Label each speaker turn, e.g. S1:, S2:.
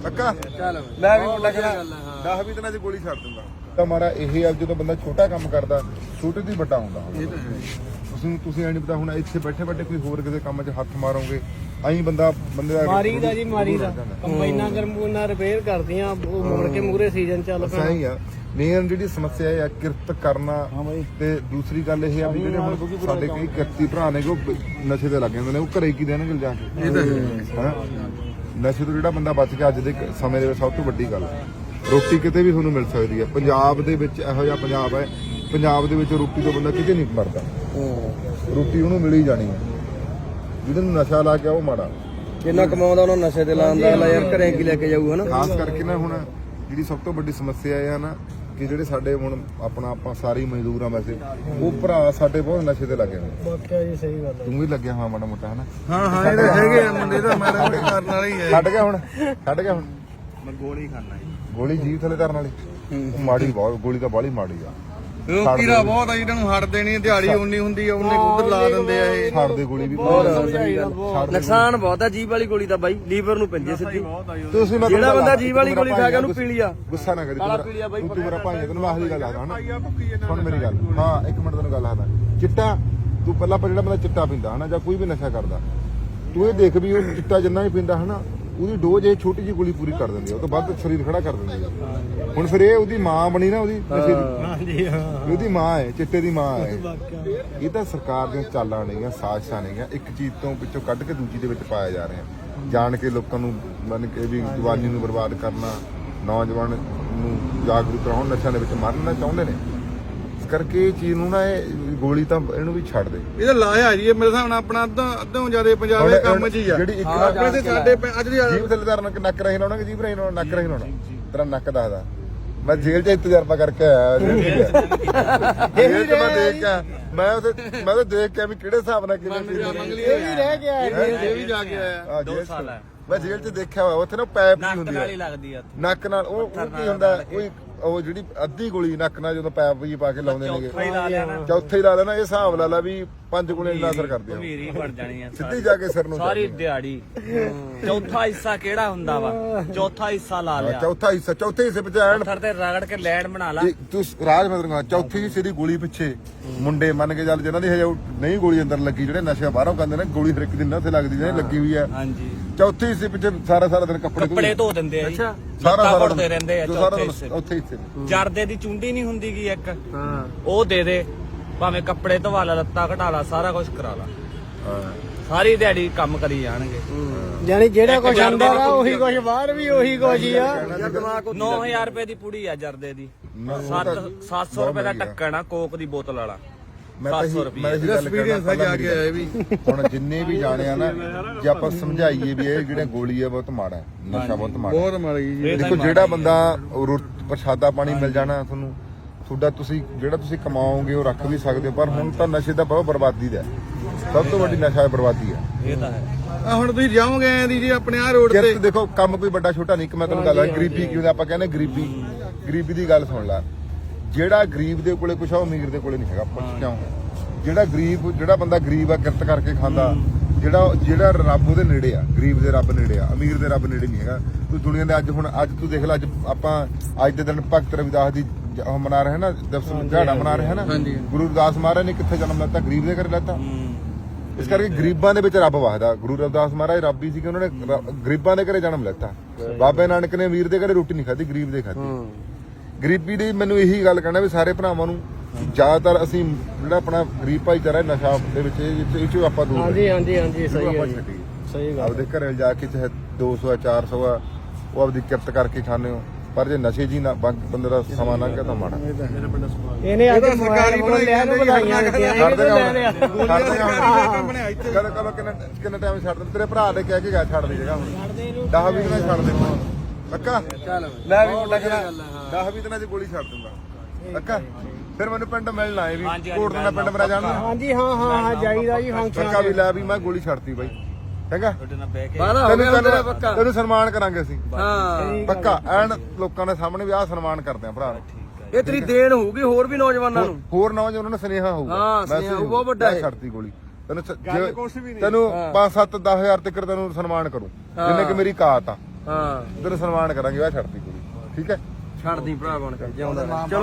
S1: ਪੱਕਾ
S2: ਚੱਲ
S1: ਲੈ ਵੀ ਮੁੰਡਾ ਕਹਿੰਦਾ 10-20 ਦਿਨਾਂ 'ਚ ਗੋਲੀ ਛੱਡ ਦਿੰਦਾ ਤਾਂ ਮਾਰਾ ਇਹ ਆ ਜਦੋਂ ਬੰਦਾ ਛੋਟਾ ਕੰਮ ਕਰਦਾ ਛੋਟੇ ਦੀ ਵੱਡਾ ਹੁੰਦਾ ਤੁਸੀਂ ਐ ਨਹੀਂ ਪਤਾ ਹੁਣ ਇੱਥੇ ਬੈਠੇ ਬੈਠੇ ਕੋਈ ਹੋਰ ਕਿਸੇ ਕੰਮ 'ਚ ਹੱਥ ਮਾਰੋਗੇ ਐਂ ਬੰਦੇ ਦਾ
S3: ਮਾਰੀ ਦਾ ਕੰਬਾਈਨਾਂ ਗਰਮੂਨਾ ਰਿਪੇਅਰ ਕਰਦੀਆਂ ਉਹ ਮੁੜ ਕੇ ਮੂਰੇ ਸੀਜ਼ਨ ਚੱਲ ਪਿਆ
S1: ਸਹੀ ਆ ਮੇਨ ਜਿਹੜੀ ਸਮੱਸਿਆ ਹੈ ਕਿਰਤ ਕਰਨਾ ਤੇ ਦੂਸਰੀ ਗੱਲ ਇਹ ਆ ਵੀ ਜਿਹੜੇ ਹੁਣ ਸਾਡੇ ਕਈ ਕਿਰਤੀ ਭਰਾ ਨੇ ਉਹ ਨਸ਼ੇ ਤੇ ਲੱਗ ਜਾਂਦੇ ਨੇ ਉਹ ਘਰੇ ਕੀ ਦੇਣਗੇ ਜਾ ਕੇ ਹਨਾ ਨਸ਼ੇ ਤੋਂ ਜਿਹੜਾ ਬੰਦਾ ਬਚ ਗਿਆ ਅੱਜ ਦੇ ਸਮੇਂ ਦੇ ਵਿੱਚ ਸਭ ਤੋਂ ਵੱਡੀ ਗੱਲ ਰੋਟੀ ਕਿਤੇ ਵੀ ਤੁਹਾਨੂੰ ਮਿਲ ਸਕਦੀ ਹੈ ਪੰਜਾਬ ਦੇ ਵਿੱਚ ਇਹੋ ਜਿਹਾ ਪੰਜਾਬ ਹੈ ਪੰਜਾਬ ਦੇ ਵਿੱਚ ਰੋਟੀ ਤੋਂ ਬੰਦਾ ਕਿਤੇ ਨਹੀਂ ਮਰਦਾ ਰੋਟੀ ਉਹਨੂੰ ਮਿਲ ਹੀ ਜਾਣੀ ਹੈ ਜਿਹਦੇ ਨੂੰ ਨਸ਼ਾ ਲਾ ਕੇ ਉਹ ਮਾੜਾ
S2: ਜਿੰਨਾ ਕਮਾਉਂਦਾ ਉਹਨਾਂ ਨਸ਼ੇ ਤੇ ਲਾਉਂਦਾ ਯਾਰ ਘਰੇ ਕੀ ਲੈ ਕੇ ਜਾਊ ਹਨਾ
S1: ਖਾਸ ਕਰਕੇ ਨਾ ਹੁਣ ਜਿਹੜੀ ਸਭ ਤੋਂ ਵੱਡੀ ਸਮੱਸਿਆ ਇਹ ਆ ਨਾ ਕਿ ਜਿਹੜੇ ਸਾਡੇ ਹੁਣ ਆਪਾਂ ਸਾਰੇ ਮਜ਼ਦੂਰ ਆ ਵੈਸੇ ਉਹ ਭਰਾ ਸਾਡੇ ਬਹੁਤ ਨਸ਼ੇ ਤੇ ਲੱਗੇ ਨੇ
S3: ਵਾਕਿਆ ਜੀ ਸਹੀ ਗੱਲ
S1: ਤੂੰ ਵੀ ਲੱਗਿਆ ਹਾਂ ਮਾੜਾ ਮੋਟਾ ਹਨਾ
S2: ਹਾਂ ਇਹ ਤਾਂ ਹੈਗੇ ਆ ਮੁੰਡੇ ਤਾਂ ਮਾੜਾ ਮੋਟਾ ਕਰਨ ਵਾਲੇ ਹੀ
S1: ਛੱਡ ਗਿਆ ਹੁਣ
S2: ਮੈਂ ਗੋਲੀ ਖਾਣਾ
S1: ਗੋਲੀ ਜੀਭ ਥੱਲੇ ਧਰਨ ਵਾਲੀ ਮਾੜੀ ਬਹੁਤ ਗੋਲੀ ਤਾਂ ਬਾਹਲੀ ਮਾੜੀ ਆ
S2: ਉਹ ਕੀੜਾ ਬਹੁਤ ਆ ਇਹਨਾਂ ਨੂੰ ਹਟ ਦੇਣੀ ਦਿਹਾੜੀ ਉਨੀ ਹੁੰਦੀ ਆ ਉਹਨੇ ਉਧਰ ਲਾ ਦਿੰਦੇ ਆ ਇਹ
S1: ਛੱਡ ਦੇ ਗੋਲੀ ਵੀ
S2: ਨੁਕਸਾਨ ਬਹੁਤ ਆ ਜੀਭ ਵਾਲੀ ਗੋਲੀ ਤਾਂ ਬਾਈ ਲੀਵਰ ਨੂੰ ਪੈਂਦੀ ਸਿੱਧੀ
S1: ਤੁਸੀਂ
S2: ਜਿਹੜਾ ਬੰਦਾ ਜੀਭ ਵਾਲੀ ਗੋਲੀ ਖਾ ਗਿਆ ਉਹਨੂੰ ਪੀ ਲਿਆ
S1: ਗੁੱਸਾ ਨਾ ਕਰੀ ਤੂੰ ਮੇਰਾ ਭਾਈ ਤੈਨੂੰ ਮੈਂ ਆਖਰੀ ਗੱਲ ਆਦਾ ਹਨਾ ਸੁਣ ਮੇਰੀ ਗੱਲ ਹਾਂ ਇੱਕ ਮਿੰਟ ਤੈਨੂੰ ਗੱਲ ਆਦਾ ਚਿੱਟਾ ਤੂੰ ਪਹਿਲਾਂ ਜਿਹੜਾ ਬੰਦਾ ਚਿੱਟਾ ਪੀਂਦਾ ਹਨਾ ਜਾਂ ਕੋਈ ਵੀ ਨਸ਼ਾ ਕਰਦਾ ਤੂੰ ਇਹ ਦੇਖ ਵੀ ਉਹ ਚਿੱਟਾ ਜਿੰਨਾ ਵੀ ਪੀਂਦਾ ਹਨਾ ਉਹਦੀ ਡੋਜ਼ ਇਹ ਛੋਟੀ ਜਿਹੀ ਗੋਲੀ ਪੂਰੀ ਕਰ ਦਿੰਦੀ ਆ ਉਹ ਤੋਂ ਬਾਅਦ ਸਰੀਰ ਖੜਾ ਕਰ ਦਿੰਦੀ ਆ ਹੁਣ ਫਿਰ ਇਹ ਉਹਦੀ ਮਾਂ ਬਣੀ ਨਾ ਉਹਦੀ ਨਸ਼ੇ ਦੀ
S3: ਹਾਂਜੀ ਹਾਂ
S1: ਉਹਦੀ ਮਾਂ ਹੈ ਚਿੱਟੇ ਦੀ ਮਾਂ ਹੈ ਇਹ ਤਾਂ ਸਰਕਾਰ ਦੀਆਂ ਚਾਲਾਂ ਨੇਗੀਆਂ ਸਾਜ਼ਿਸ਼ਾਂ ਨੇਗੀਆਂ ਇੱਕ ਚੀਜ਼ ਤੋਂ ਪਿੱਛੋਂ ਕੱਢ ਕੇ ਦੂਜੀ ਦੇ ਵਿੱਚ ਪਾਇਆ ਜਾ ਰਿਹਾ ਜਾਣ ਕੇ ਲੋਕਾਂ ਨੂੰ ਮੰਨ ਕੇ ਵੀ ਜਵਾਨੀ ਨੂੰ ਬਰਬਾਦ ਕਰਨਾ ਨੌਜਵਾਨ ਨੂੰ ਜਾਗਰੂਕ ਕਰਾਉਣ ਨਸ਼ਿਆਂ ਦੇ ਵਿੱਚ ਮਾਰਨਾ ਚਾਹੁੰਦੇ ਨੇ ਇਸ ਕਰਕੇ ਇਹ ਚੀਜ਼ ਨੂੰ ਨਾ ਇਹ ਗੋਲੀ ਤਾਂ ਇਹਨੂੰ ਵੀ ਛੱਡ ਦੇ
S2: ਇਹਦਾ ਲਾਇਆ ਜੀ ਮੇਰੇ ਹਿਸਾਬ ਨਾਲ ਆਪਣਾ ਅੱਧੋਂ ਜ਼ਿਆਦਾ ਪੰਜਾਬ ਦੇ ਕੰਮ 'ਚ ਹੀ ਆ
S1: ਜਿਹੜੀ ਇੱਕ
S2: ਆਪਣੇ ਤੇ ਸਾਡੇ ਅੱਜ ਦੀ
S1: ਜੀਭ ਥੱਲੇ ਧਰਨ ਨੱਕ ਰਹੀ ਲਾਉਣਾ ਕਿ ਜੀਭ ਰਹੀ ਲਾਉਣਾ ਨੱਕ ਰਹੀ ਲਾਉਣਾ ਤੇਰਾ ਨੱਕ ਦੱਸਦਾ ਮੈਂ ਜੇਲ੍ਹ 'ਚ ਤਜਰਬਾ ਕਰਕੇ ਆਇਆ ਜੇਲ੍ਹ 'ਚ ਮੈਂ ਦੇਖ ਕੇ ਮੈਂ ਤਾਂ ਦੇਖ ਕੇ ਵੀ ਕਿਹੜੇ ਹਿਸਾਬ ਨਾਲ ਕਿਵੇਂ
S3: ਇਹ ਵੀ ਰਹਿ ਗਿਆ
S2: ਇਹ ਵੀ ਜਾ ਕੇ ਆਇਆ
S1: 2 ਸਾਲ ਮੈਂ ਜੇਲ੍ਹ 'ਚ ਦੇਖਿਆ ਹੋਇਆ ਉੱਥੇ ਨਾ ਪੈਪ ਵੀ ਹੁੰਦੀ ਹੈ ਨੱਕ ਨਾਲ ਉਹ ਕੀ ਹੁੰਦਾ ਉਹ ਜਿਹੜੀ ਅੱਧੀ ਗੋਲੀ ਨੱਕ ਨਾਲ ਜਦੋਂ ਪੈਪ ਜੀ ਪਾ ਕੇ ਲਾਉਂਦੇ ਨੇਗੇ ਚੌਥੇ ਹੀ ਲਾ ਲੈਣਾ ਇਹ ਹਿਸਾਬ ਲਾ ਲਾ ਵੀ 5 ਗੁਣੇ ਇੰਨਾ ਅਸਰ ਕਰਦੇ ਆ
S4: ਭੀਰੀ ਬਣ ਜਾਣੀ ਆ
S1: ਸਿੱਧੀ ਜਾ ਕੇ ਸਿਰ ਨੂੰ
S4: ਸਾਰੀ ਦਿਹਾੜੀ ਚੌਥਾ ਹਿੱਸਾ ਕਿਹੜਾ ਹੁੰਦਾ ਵਾ ਚੌਥਾ ਹਿੱਸਾ ਲਾ ਲਿਆ
S1: ਚੌਥੇ ਹਿੱਸੇ ਵਿੱਚ ਐਨ
S4: ਪੱਥਰ ਤੇ ਰਗੜ ਕੇ ਲੈਣ ਬਣਾ ਲਾ
S1: ਤੂੰ ਰਾਜ ਮਤਲਬ ਚੌਥੀ ਹਿੱਸੇ ਦੀ ਗੋਲੀ ਪਿੱਛੇ ਮੁੰਡੇ ਮੰਨ ਕੇ ਚੱਲ ਜਿਹਨਾਂ ਦੀ ਹਜੇ ਨਹੀਂ ਗੋਲੀ ਅੰਦਰ ਲੱਗੀ ਜਿਹੜੇ ਨਸ਼ਾ ਬਾਹਰੋਂ ਕਰਦੇ ਨੇ ਗੋਲੀ ਹਰ ਇੱਕ ਦਿਨ ਉੱਥੇ ਲੱਗਦੀ ਜਿਹੜੀ ਲੱਗੀ ਹੋਈ ਆ
S4: ਹਾਂਜੀ
S1: ਚੌਥੇ ਹਿੱਸੇ ਪਿੱਛੇ ਸਾਰਾ ਦਿਨ
S4: ਕੱਪੜੇ ਧੋ ਦਿੰਦੇ ਆ ਜੀ
S1: ਸਾਰਾ
S4: ਧੋਦੇ ਰਹਿੰਦੇ ਆ ਚੌਥੇ ਹਿੱਸੇ
S1: ਉੱਥੇ ਹਿੱਸੇ
S4: ਜਰਦੇ ਦੀ ਚੁੰਡੀ ਨਹੀਂ ਹੁੰਦੀ ਗੀ ਇੱਕ ਉਹ ਦੇ ਦੇ ਭਾਵੇਂ ਕੱਪੜੇ ਧਵਾ ਲਾ ਲੱਤਾਂ ਘਟਾ ਲਾ ਸਾਰਾ ਕੁਝ ਕਰਾ ਲਾ ਸਾਰੀ ਦਿਹਾੜੀ ਕੰਮ ਕਰੀ ਜਾਣਗੇ
S3: ਯਾਨੀ ਜਿਹੜਾ ਕੁਝ ਅੰਦਰ ਆ ਉਹੀ ਕੁਝ ਬਾਹਰ ਵੀ ਉਹੀ ਕੁਝ ਹੀ ਆ
S4: 9000 ਰੁਪਏ ਦੀ ਪੁੜੀ ਆ ਜਰਦੇ ਦੀ 700 ਰੁਪਏ ਦਾ ਢੱਕਣ ਆ ਕੋਕ ਦੀ ਬੋਤਲ ਵਾਲਾ
S1: ਮੈਂ ਐਕਸਪੀਰੀਅੰਸ ਆ ਜਾ ਕੇ ਆਇਆ ਵੀ ਹੁਣ ਜਿੰਨੇ ਵੀ ਜਾਣੇ ਆ ਨਾ ਜੇ ਆਪਾਂ ਸਮਝਾਈਏ ਵੀ ਇਹ ਜਿਹੜੇ ਗੋਲੀ ਆ ਬਹੁਤ ਮਾੜਾ ਹੈ ਨਸ਼ਾ ਬਹੁਤ ਮਾੜੀ ਜੀ ਦੇਖੋ ਜਿਹੜਾ ਬੰਦਾ ਪ੍ਰਸ਼ਾਦਾ ਪਾਣੀ ਮਿਲ ਜਾਣਾ ਤੁਹਾਨੂੰ ਤੁਹਾਡਾ ਤੁਸੀਂ ਕਮਾਓਗੇ ਉਹ ਰੱਖ ਵੀ ਸਕਦੇ ਹੋ ਪਰ ਹੁਣ ਤਾਂ ਨਸ਼ੇ ਦਾ ਬਹੁਤ ਬਰਬਾਦੀ ਦਾ ਸਭ ਤੋਂ ਵੱਡੀ ਨਸ਼ਾ ਬਰਬਾਦੀ ਹੈ
S4: ਇਹ ਤਾਂ ਹੈ
S2: ਹੁਣ ਤੁਸੀਂ ਜਾਓਗੇ ਦੀ ਜੀ ਆਪਣੇ ਆ ਰੋਡ ਤੇ
S1: ਦੇਖੋ ਕੰਮ ਕੋਈ ਵੱਡਾ ਛੋਟਾ ਨਹੀਂ ਕਿ ਮੈਂ ਤੁਹਾਨੂੰ ਗੱਲ ਗਰੀਬੀ ਕਿਉਂ ਆਪਾਂ ਕਹਿੰਦੇ ਗਰੀਬੀ ਦੀ ਗੱਲ ਸੁਣ ਲੈ ਜਿਹੜਾ ਗਰੀਬ ਦੇ ਕੋਲੇ ਕੁਛ ਆ ਉਹ ਅਮੀਰ ਦੇ ਕੋਲੇ ਨਹੀਂ ਹੈਗਾ ਪੁੱਛ ਕਿਉਂ ਜਿਹੜਾ ਬੰਦਾ ਗਰੀਬ ਆ ਕਿਰਤ ਕਰਕੇ ਖਾਂਦਾ ਜਿਹੜਾ ਰੱਬ ਉਹਦੇ ਨੇੜੇ ਆ ਗਰੀਬ ਦੇ ਰੱਬ ਨੇੜੇ ਆ ਅਮੀਰ ਦੇ ਰੱਬ ਨੇੜੇ ਨਹੀਂ ਹੈਗਾ ਤੂੰ ਦੁਨੀਆ ਦੇ ਅੱਜ ਤੂੰ ਦੇਖ ਲੈ ਅੱਜ ਆਪਾਂ ਅੱਜ ਦੇ ਦਿਨ ਭਗਤ ਰਵਿਦਾਸ ਦੀ ਉਹ ਮਨਾ ਰਹੇ ਨਾ ਦਿਹਾੜਾ ਮਨਾ ਰਹੇ ਨਾ ਗੁਰੂ ਰਵਿਦਾਸ ਮਹਾਰਾਜ ਨੇ ਕਿੱਥੇ ਜਨਮ ਲੈਤਾ ਗਰੀਬ ਦੇ ਘਰੇ ਲੈਤਾ ਇਸ ਕਰਕੇ ਗਰੀਬਾਂ ਦੇ ਵਿੱਚ ਰੱਬ ਵਸਦਾ ਗੁਰੂ ਰਵਿਦਾਸ ਮਹਾਰਾਜ ਰੱਬ ਹੀ ਸੀ ਕਿ ਉਹਨਾਂ ਨੇ ਗਰੀਬਾਂ ਦੇ ਘਰੇ ਜਨਮ ਲੈਤਾ ਬਾਬੇ ਨਾਨਕ ਨੇ ਅਮੀਰ ਦੇ ਘਰੇ ਰੋਟੀ ਨਹੀਂ ਖਾਧੀ ਗਰੀਬ ਦੇ ਖਾਧੀ ਗਰੀਬੀ ਦੀ ਮੈਨੂੰ ਇਹੀ ਗੱਲ ਕਹਿਣਾ ਵੀ ਸਾਰੇ ਭਰਾਵਾਂ ਨੂੰ ਜ਼ਿਆਦਾਤਰ ਅਸੀਂ ਜਿਹੜਾ ਆਪਣਾ ਗਰੀਬ ਭਾਈਚਾਰਾ ਨਸ਼ਾ ਦੇ ਵਿੱਚ ਇਹ ਚ ਆਪਾਂ ਦੂਰ
S3: ਹਾਂਜੀ ਸਹੀ ਹੈ ਸਹੀ ਗੱਲ
S1: ਆਪਦੇ ਘਰੇ ਜਾ ਕੇ ਚਾਹੇ 200 400 ਆ ਉਹ ਆਪਦੀ ਕਿਰਤ ਕਰਕੇ ਖਾਣੇ ਹੋ ਪਰ ਜੇ ਨਸ਼ੇ ਜੀ ਨਾ ਬੰਦੇ ਦਾ ਸਮਾਂ ਲੰਘ ਗਿਆ ਤਾਂ ਮਾੜਾ
S3: ਇਹਨੇ ਅੱਜ ਸਰਕਾਰੀ ਬਣਾਈਆਂ ਨੂੰ ਵਧਾਈਆਂ ਦਿੱਤੀਆਂ
S1: ਛੱਡ ਕਿੰਨਾ ਟਾਈਮ ਛੱਡ ਦੇ ਤੇਰੇ ਭਰਾ ਦੇ ਕਹਿ ਕੇ ਗਿਆ ਛੱਡ ਦੀ ਜਗ੍ਹਾ ਹੁਣ 10-20 ਦਿਨਾਂ ਛੱਡ ਦੇ ਪੱਕਾ ਲੈ ਵੀ ਮੁੰਡਾ ਕਹਿੰਦਾ 10-20 ਦਿਨਾਂ 'ਚ ਗੋਲੀ ਛੱਡ ਦੂੰਗਾ ਪੱਕਾ ਫਿਰ ਮੈਨੂੰ ਪਿੰਡ ਮਿਲਣਾ ਆਏ ਵੀ ਕੋਟ ਦਾ ਪਿੰਡ ਮੇਰਾ ਜਾਣਦਾ
S3: ਹਾਂਜੀ ਹਾਂ ਜਾਈਦਾ ਜੀ ਫੰਕਸ਼ਨ
S1: ਪੱਕਾ ਵੀ ਲੈ ਵੀ ਮੈਂ ਗੋਲੀ ਛੱਡਤੀ ਬਾਈ ਹੈਗਾ ਤੈਨੂੰ ਸਨਮਾਨ ਕਰਾਂਗੇ ਅਸੀਂ ਪੱਕਾ ਐਨ ਲੋਕਾਂ ਦੇ ਸਾਹਮਣੇ ਵੀ ਆਹ ਸਨਮਾਨ ਕਰਦੇ ਆ ਭਰਾ
S2: ਇਹ ਤੇਰੀ ਦੇਣ ਹੋਊਗੀ ਹੋਰ ਵੀ ਨੌਜਵਾਨਾਂ ਨੂੰ
S1: ਹੋਰ ਨੌਜਵਾਨਾਂ ਨੂੰ ਸੁਨੇਹਾ ਹੋਊਗਾ
S2: ਬਹੁਤ ਵੱਡਾ ਹੈ
S1: ਛੱਡਤੀ ਗੋਲੀ ਤੈਨੂੰ 5-7-10 ਹਜ਼ਾਰ ਤੱਕ ਤੈਨੂੰ ਸਨਮਾਨ ਕਰੂੰ ਜਿੰਨੇ ਕਿ ਮੇਰੀ ਕਾਤ ਆ
S5: ਹਾਂ
S1: ਤੇਰਾ ਸਨਮਾਨ ਕਰਾਂਗੇ ਆ ਛੱਡਤੀ ਕੁੜੀ ਠੀਕ ਹੈ
S5: ਛੱਡਦੀ ਭਰਾ ਬਣ ਕੇ ਜਿਉਂਦਾ ਰਹਿ। ਚਲੋ